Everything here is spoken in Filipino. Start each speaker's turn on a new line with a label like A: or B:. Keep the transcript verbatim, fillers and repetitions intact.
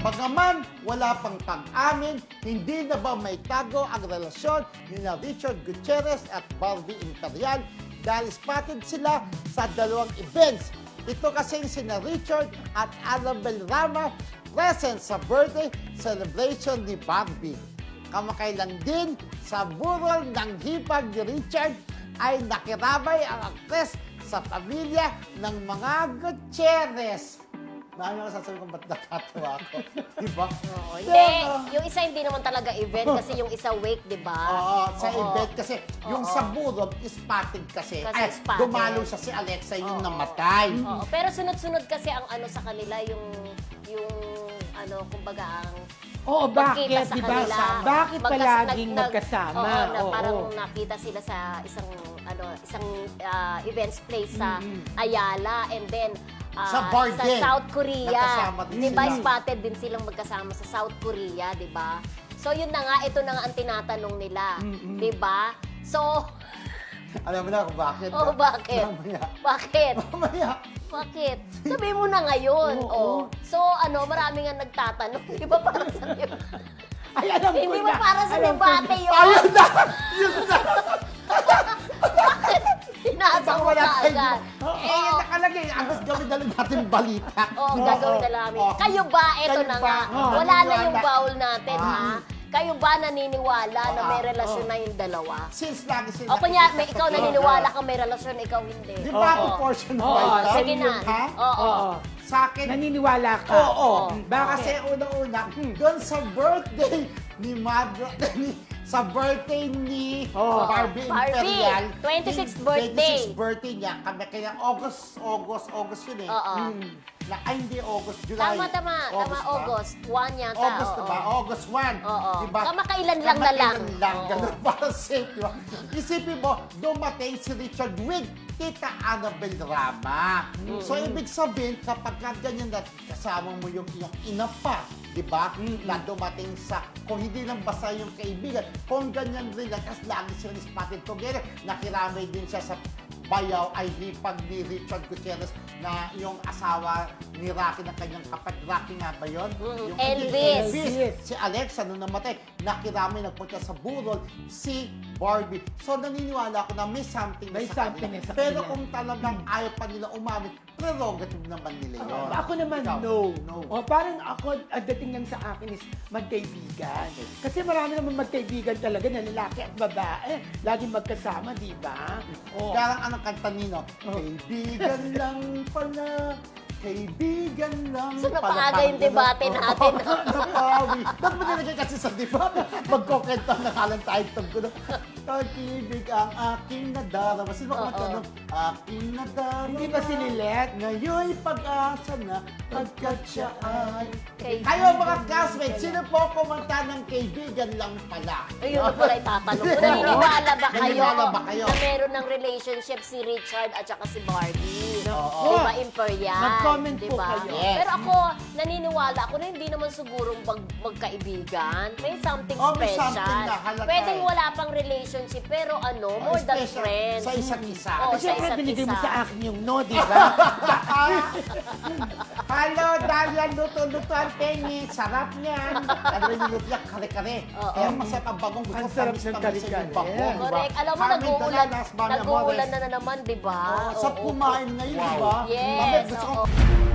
A: Bagaman wala pang pag-amin, hindi na ba may tago ang relasyon ni na Richard Gutierrez at Barbie Imperial dahil spotted sila sa dalawang events. Ito kasi sina Richard at Annabel Rama present sa birthday celebration ni Barbie. Kamakailan din sa burol ng hipag ni Richard ay nakiramay ang aktres sa pamilya ng mga Gutierrez. Dahil ako sasabi ko, ba't natatawa ako? Diba?
B: Oo, hindi. Yung isa hindi naman talaga event kasi yung isa wake, di ba?
A: Oo, sa
B: Oo.
A: event kasi. Yung
B: Oo.
A: sa burol, spotted kasi.
B: Kasi
A: Ay,
B: spotted.
A: dumalo siya si Alexa yung
B: Oo.
A: namatay.
B: Oo, pero sunod-sunod kasi ang ano sa kanila, yung, yung ano, kumbaga ang
C: Oo, bakit,
B: magkita sa
C: di ba?
B: kanila.
C: Bakit
B: Magkas-
C: palaging
B: nag- nag-
C: magkasama?
B: Oo, na
C: Oo.
B: parang nakita sila sa isang ano isang ah, events place sa
C: Mm-hmm.
B: Ayala and then ah,
A: Sa bar
B: sa
A: din.
B: South Korea.
A: Nakasama din
B: Di ba
A: sila.
B: spotted din silang magkasama sa South Korea, di ba? So yun na nga, ito na nga ang tinatanong nila. Di ba? So,
A: Alam mo na kung bakit?
B: oh, bakit?
A: Mamaya.
B: Bakit?
A: Mamaya.
B: Bakit? Sabi mo na ngayon.
C: Oo.
B: Oh. So, ano, marami nga nagtatanong. Di ba para sa
C: Ay, alam ko
B: Hindi
C: na.
B: ba para sa
C: Alam ko
B: debate
C: na.
B: yun?
A: Ayun na! Yun na!
B: Pinasa
A: Baka
B: mo
A: wala
B: ka
A: tayo.
B: agad.
A: Eh, yun nakalagay. Agos gawin na lang natin balita.
B: Oo, gagawin na namin.
A: Oo.
B: Kayo ba, eto
A: Kayo
B: na
A: ba?
B: nga,
A: Oo,
B: wala na
A: naniniwala.
B: yung baul natin,
A: Ah.
B: ha? Kayo ba naniniwala na may
A: Ah,
B: relasyon
A: oo.
B: na yung dalawa?
A: Since lagi sila...
B: O kunya, may
A: nakikita
B: ikaw
A: sa
B: naniniwala
A: vlog,
B: ka may relasyon, ikaw hindi.
A: Di ba
C: Oo.
A: proportion
C: Oo,
A: ba ito?
B: Sige na.
A: Ha?
B: Oo.
C: Oo.
A: Sa akin,
C: Naniniwala ka?
A: Oo.
B: Oo.
C: Bakit?
A: Kasi una-una, doon sa birthday ni Madra, ni, sa birthday ni
C: Oo.
A: Barbie
B: Barbie,
A: Imperial.
B: twenty-sixth
A: yung
B: birthday.
A: twenty-sixth birthday niya. Kami kaya August, August, August yun eh.
B: Oo.
A: Hmm. Na, ay, hindi August, July.
B: Tama, tama. Tama,
A: ba?
B: August. One yata.
A: August
B: oo.
A: na ba? August first.
B: Oo.
A: Diba?
B: Kamakailan lang na lang.
A: Kamakailan lang.
B: Oo.
A: Ganun para safe, diba? Isipin mo, dumating si Richard with Tita Annabel Rama. So, ibig sabihin, kapag ka ganyan na kasama mo yung iyong ina pa, di ba? Na dumating sa, kung hindi lang basta yung kaibigan, kung ganyan rin lang, kasi lagi silang spotted together, nakiramay din siya sa bayaw ay hipag ni Richard Gutierrez na yung asawa ni Rocky ng kanyang kapatid. Rocky nga ba yun?
B: Mm,
A: Yung-
B: Elvis.
A: Elvis. Si Alexa, nung namatay, nakirami nagpunta sa burol si Barbie. So, naniniwala ako na may something na
C: May
A: sa
C: something
A: kanila.
C: na sa
A: Pero
C: kanila.
A: kung talagang ayaw pa nila umamin, prerogative naman nila yun.
C: Oo. Ako naman,
A: Ikaw?
C: no.
A: No.
C: O, parang ako, ang dating lang sa akin is magkaibigan. Kasi marami naman magkaibigan talaga na lalaki at babae. Laging magkasama, di ba? O,
A: Parang anong kanta nino?
C: Oh.
A: Kaibigan lang pala, kaibigan lang
B: So,
A: pala.
B: napaaga
A: Parang
B: yung debate
A: ganun.
B: natin.
A: Oo, napawi. Ba't mo nilagay kasi sa debate? Magkokento na kalang title ko. Kag-ibig ang aking nadarama. Sino ba
B: Oo.
A: kumanta nun? Aking nadarama.
C: Hindi ba si Lilet?
A: Ngayon'y pag-asa na pagkat siya ay...
B: Kaibigan.
A: Kayo mga classmates, sino po kumanta ng kaibigan lang pala?
B: Ayun na pala itatanong ko. Naniniwala ba kayo,
A: Naniniwala ba kayo?
B: na meron ng relationship si Richard at saka si Barbie?
A: Oo.
B: Di ba, Imperial?
C: Mag-comment
B: di
C: po
B: ba?
C: kayo.
A: Yes.
B: Pero ako, naniniwala ako na hindi naman sigurong mag magkaibigan. May something
A: Oh, may
B: special.
A: something na halata
B: Pwedeng
A: eh.
B: wala pang relationship, pero ano, more than
A: Special
B: friends.
A: sa isa't isa.
B: Oo,
C: Kasi
B: sa
C: syempre
B: isa't
C: binigay mo
B: isa.
C: sa akin yung no, di ba?
A: Hello, Dalia, luto-luto ang tengi. Sarap niyan. Ano yung niluto niya? Kare-kare.
B: Oo.
A: Kaya masarap ang bagong. Gusto
C: Ang sarap
A: tamis
C: ng
A: tamis
C: kare-kare.
A: yung bagong. diba?
B: Correct. Alam mo,
A: Carmen
B: nag-uulan,
A: Dalalas, Mami
B: nag-uulan
A: Amores.
B: na na naman, di ba?
A: Oh, sa
B: Oo.
A: kumain ngayon, di ba?
B: Yes,
A: Mami, gusto ko
B: oo.